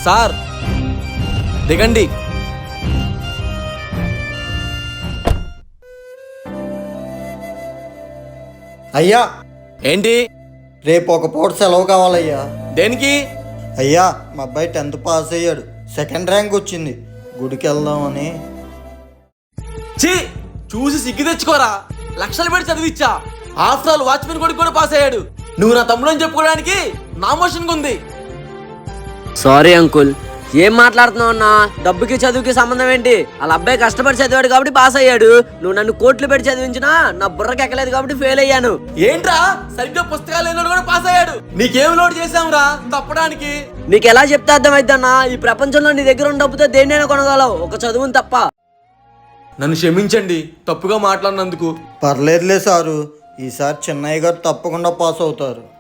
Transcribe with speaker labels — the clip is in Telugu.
Speaker 1: సార్ దిగండి.
Speaker 2: అయ్యా
Speaker 1: ఏంటి?
Speaker 2: రేపు ఒక పూట సెలవు కావాలయ్యా.
Speaker 1: దేనికి?
Speaker 2: అయ్యా మా అబ్బాయి 10th పాస్ అయ్యాడు, 2nd ర్యాంక్ వచ్చింది, గుడికి వెళ్దామని.
Speaker 1: ఛీ, చూసి సిగ్గు తెచ్చుకోరా. లక్షలు పెట్టి చదివిచ్చా. ఆఫ్టర్ ఆల్ వాచ్మెన్ కొడుకు కూడా పాస్ అయ్యాడు. నువ్వు నా తమ్ముడు అని చెప్పుకోవడానికి నా మోషన్ ఉంది.
Speaker 3: సారీ అంకుల్, ఏం మాట్లాడుతున్నావు అన్నా? డబ్బుకి చదువుకి సంబంధం ఏంటి? వాళ్ళ అబ్బాయి కష్టపడి చదివాడు కాబట్టి పాస్ అయ్యాడు. నువ్వు నన్ను కోట్లు పెట్టి చదివించినా నా బుర్రకి ఎక్కలేదు కాబట్టి ఫెయిల్ అయ్యాను.
Speaker 1: ఏంట్రా, సరిగ్గా పుస్తకాలు లేనోడు కూడా పాస్ అయ్యాడు. నీకేం లోడ్ చేసాంరా తప్పడానికి?
Speaker 3: నీకు ఎలా చెప్తే అర్థమైద్దన్నా? ఈ ప్రపంచంలో నీ దగ్గర ఉన్న డబ్బుతో దేన్నైనా కొనగలవు, ఒక చదువుని తప్ప.
Speaker 1: నన్ను క్షమించండి తప్పుగా మాట్లాడినందుకు.
Speaker 2: పర్లేదులే సారు, ఈసారి చిన్నయ్య గారు తప్పకుండా పాస్ అవుతారు.